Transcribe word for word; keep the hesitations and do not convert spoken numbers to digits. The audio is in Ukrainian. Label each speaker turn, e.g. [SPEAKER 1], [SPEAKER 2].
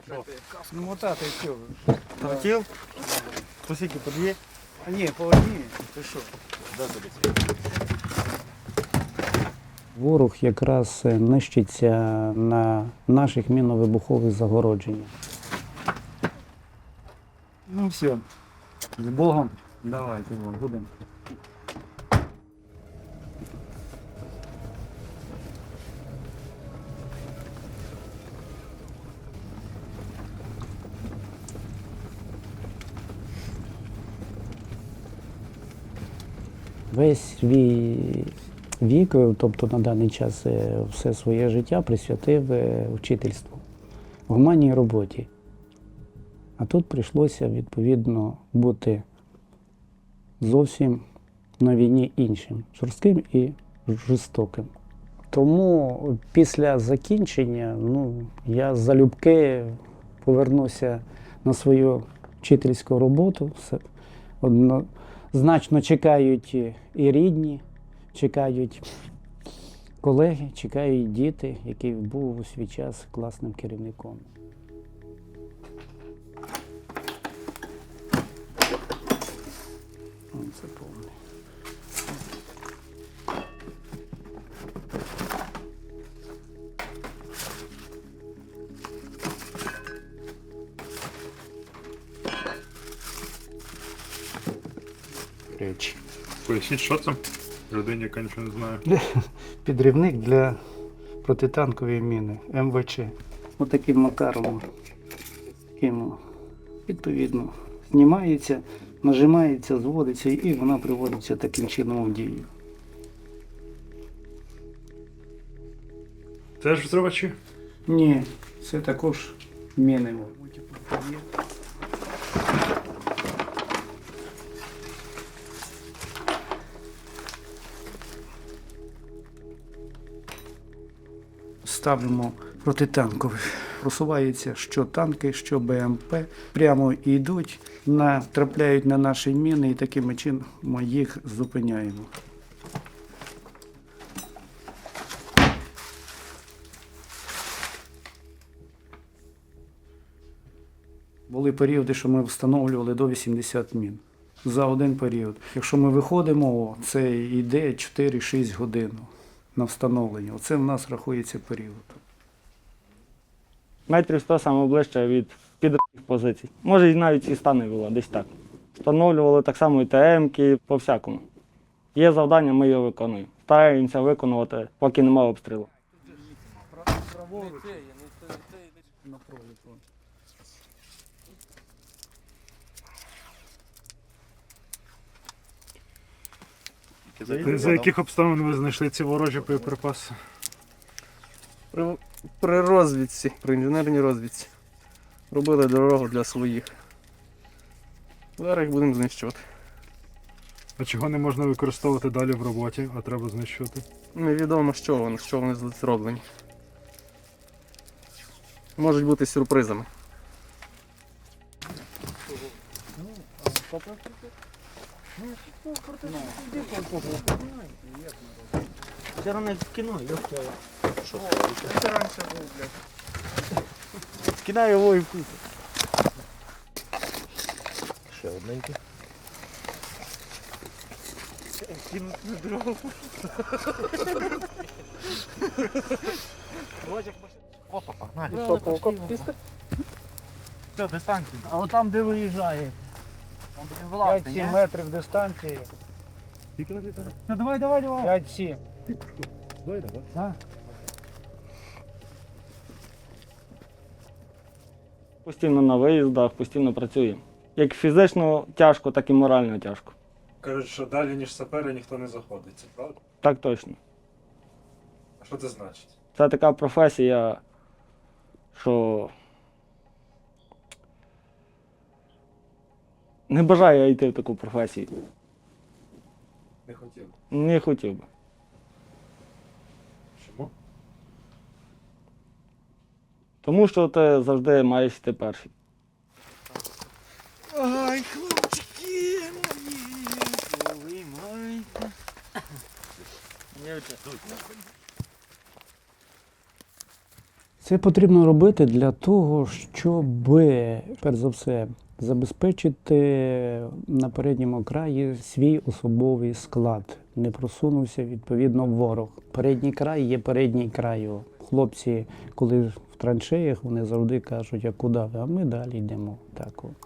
[SPEAKER 1] Ну, мотати все.
[SPEAKER 2] Хотів? Посіки по дві?
[SPEAKER 1] А ні, по одній. Ти що? Ворог якраз нищиться на наших мінно-вибухових загородженнях. Ну все, з Богом. Давайте, будемо. Весь свій вік, тобто на даний час все своє життя присвятив вчительству, гуманній роботі. А тут прийшлося, відповідно, бути зовсім на війні іншим, жорстким і жорстоким. Тому після закінчення ну, я залюбки повернуся на свою вчительську роботу. Однозначно чекають і рідні, чекають колеги, чекають діти, який був у свій час класним керівником. Це повне. Речі.
[SPEAKER 3] Поясніть, що це? Людині, яка нічого не знає.
[SPEAKER 1] Підривник для протитанкової міни ем ве че. Ось таким макаром, таким, відповідно, знімається, нажимається, зводиться і вона приводиться таким чином в дію.
[SPEAKER 3] Це ж взривачі?
[SPEAKER 1] Ні, це також міни. Ставимо протитанкових. Просуваються що танки, що бе ем пе. Прямо йдуть, натрапляють на наші міни і таким чином ми їх зупиняємо. Були періоди, що ми встановлювали до вісімдесят мін за один період. Якщо ми виходимо, це йде чотири-шість годин на встановлення. Оце в нас рахується період.
[SPEAKER 2] Метрів сто саме ближче від підривних позицій. Може, і навіть і ста не було, десь так. Встановлювали так само і те емки, по-всякому. Є завдання, ми його виконуємо. Стараємося виконувати, поки немає обстрілу.
[SPEAKER 3] За яких обставин ви знайшли ці ворожі боєприпаси?
[SPEAKER 4] При, при розвідці, при інженерній розвідці. Робили дорогу для своїх. Зараз їх будемо знищувати.
[SPEAKER 3] А чого не можна використовувати далі в роботі, а треба знищувати?
[SPEAKER 4] Невідомо, що вони, що вони зроблені. Можуть бути сюрпризами.
[SPEAKER 2] Вчора не в кіно, я вчора.
[SPEAKER 4] Що? Це раніше був, блядь.
[SPEAKER 2] Кидаю його і вкусу.
[SPEAKER 5] Ще одненький.
[SPEAKER 2] Кинуть на дорогу.
[SPEAKER 5] Опа, погнали.
[SPEAKER 2] Все, дистанція.
[SPEAKER 1] А от там, де виїжджає, п'ять-сім метрів дистанції.
[SPEAKER 2] Ну давай, давай, давай.
[SPEAKER 1] п'ять-сім.
[SPEAKER 3] Давай, давай.
[SPEAKER 1] А?
[SPEAKER 2] Постійно на виїздах, постійно працюємо. Як фізично тяжко, так і морально тяжко.
[SPEAKER 3] Кажуть, що далі, ніж сапери, ніхто не заходить. Це правда?
[SPEAKER 2] Так точно.
[SPEAKER 3] А що це значить?
[SPEAKER 2] Це така професія, що не бажаю я йти в таку професію.
[SPEAKER 3] Не хотів.
[SPEAKER 2] Не хотів би.
[SPEAKER 3] Чому?
[SPEAKER 2] Тому що ти завжди маєш йти перший.
[SPEAKER 5] Ай, хлопчики мої, повимайте.
[SPEAKER 1] Це потрібно робити для того, щоб, перш за все, забезпечити на передньому краї свій особовий склад. Не просунувся, відповідно, ворог. Передній край є передній край. Хлопці, коли в траншеях, вони завжди кажуть, а куди ви? А ми далі йдемо. Так, от.